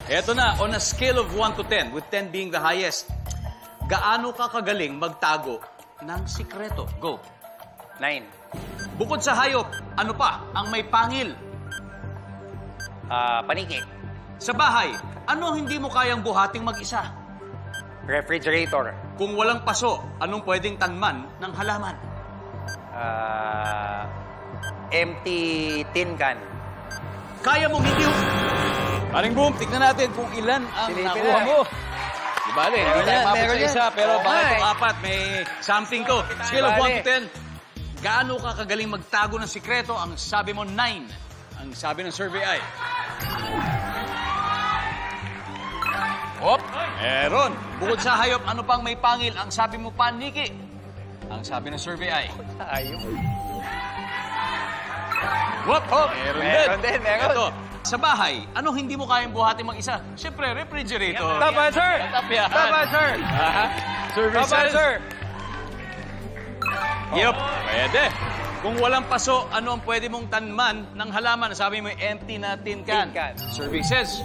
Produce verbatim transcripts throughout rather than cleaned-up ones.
Eto na, on a scale of one to ten, with ten being the highest, gaano ka kagaling magtago ng sikreto? Go. Nine. Bukod sa hayop, ano pa ang may pangil? Ah, paniki. Sa bahay, ano ang hindi mo kayang buhating mag-isa? Refrigerator. Kung walang paso, anong pwedeng tanman ng halaman? Ah, empty tin can. Kaya mong hindi... Paring Boom, tignan natin kung ilan ang Silipin nakuha na. mo. Di bale, hindi Meron tayo yan, mabot meron sa yan. isa, pero Oo baka nga itong eh. apat, may something to. Scale of Bale. one to ten, gaano ka kagaling magtago ng sikreto? Ang sabi mo, nine. Ang sabi ng survey ay... Hop! Meron. Bukod sa hayop, ano pang may pangil? Ang sabi mo, paniki. Ang sabi ng survey ay... Ayun. Hop! Hop! Meron, Meron din, meron. Ito, sa bahay, ano hindi mo kayang buhatin mag-isa? Siyempre, refrigerator. Top answer! Top yan. Top answer! Aha. Survey Top says... answer! Yup, pwede. Kung walang paso, ano ang pwede mong tanman ng halaman? Sabi mo, empty na tin can. Tin can. Survey says...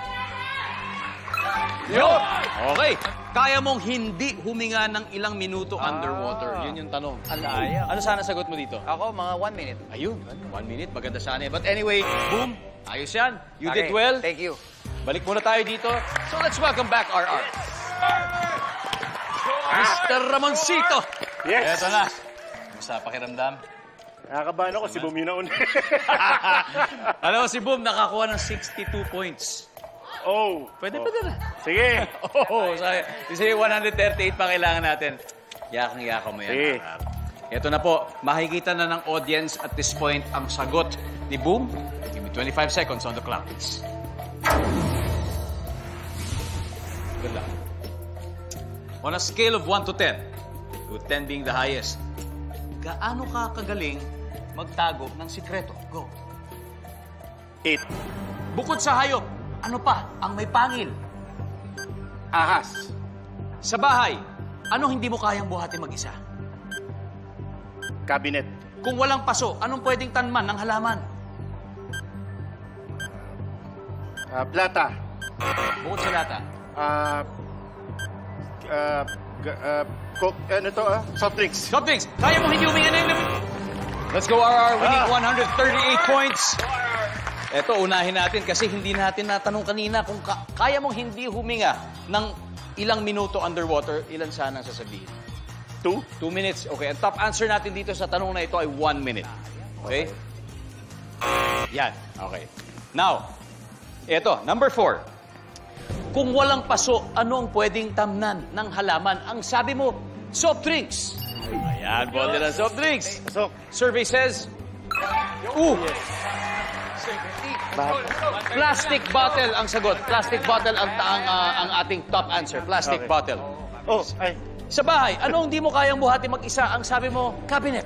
Yup! Okay. Kaya mong hindi huminga ng ilang minuto Ah. underwater. Yun yung tanong. Alaya. Ano sana sagot mo dito? Ako, mga one minute. Ayun, one minute. Maganda sana. But anyway, boom. Ayos yan. You Okay, did well. Thank you. Balik muna tayo dito. So let's welcome back R R. Mister Ramoncito. Yes. Eto na. Kumusta pakiramdam? Nakakabahan ako, si Boom yun na una. Alam mo, si Boom nakakuha ng sixty-two points. Oh. Pwede oh. pa din. Sige. Oo, oh, kasi one thirty-eight pa kailangan natin. Yakang-yaka mo yan. Sige. R R. Ito na po, makikita na ng audience at this point ang sagot ni Boom. Give me twenty-five seconds on the clock, please. Good luck. On a scale of one to ten, with ten being the highest, gaano ka kagaling magtago ng sikreto? Go. Eight. Bukod sa hayop, ano pa ang may pangil? Ahas. Sa bahay, ano hindi mo kayang buhatin mag-isa? Cabinet. Kung walang paso, anong pwedeng tanman ng halaman? Ah, plata. Bukod sa lata. Ah, ah, ga- ah, coke, ano to ah? Soft drinks. Soft drinks, kaya mo hindi huminga ng... Let's go, R R, winning Ah. one thirty-eight points. Eto, unahin natin kasi hindi natin natanong kanina kung ka- kaya mong hindi huminga ng ilang minuto underwater, ilan sana ang sasabihin? Two. Two minutes. Okay, ang top answer natin dito sa tanong na ito ay one minute. Okay? Yan. Okay. Now, eto, number four. Kung walang paso, ano ang pwedeng tamnan ng halaman? Ang sabi mo, soft drinks. Ayan, bote ng soft drinks. So, Survey says, ooh, plastic bottle ang sagot. Plastic bottle ang, ang, ah, ang ating top answer. Plastic Okay. bottle. oh, ay. Sa bahay, ano hindi mo kayang buhati mag-isa? Ang sabi mo, cabinet.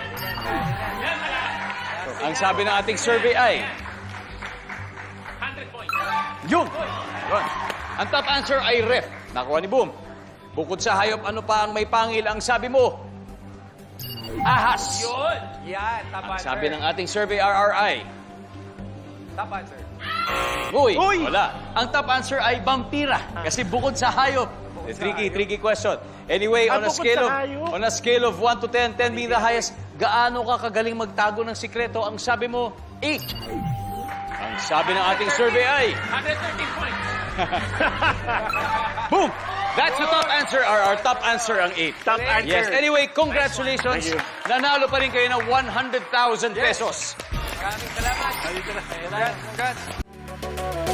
Ang sabi ng ating survey ay... Yun! Yun. Ang top answer ay ref. Nakuha ni Boom. Bukod sa hayop, ano pa ang may pangil? Ang sabi mo, ahas. Yun! Yan, top Ang answer. sabi ng ating survey R R ay... Top answer. Uy, Uy! wala. Ang top answer ay vampira. Kasi bukod sa hayop. Eh, tricky, tricky question. Anyway, Ah, on a bukod scale of sa hayop? on a scale of one to ten, ten being the highest, gaano ka kagaling magtago ng sikreto? Ang sabi mo, eight. Ang sabi ng ating survey ay... one thirteen points. Boom! That's the top answer. Our, our top answer ang eight. Top answer. Yes. Anyway, congratulations. Thank you. Nanalo pa rin kayo ng one hundred thousand pesos. Maraming salamat. Congrats. Congrats.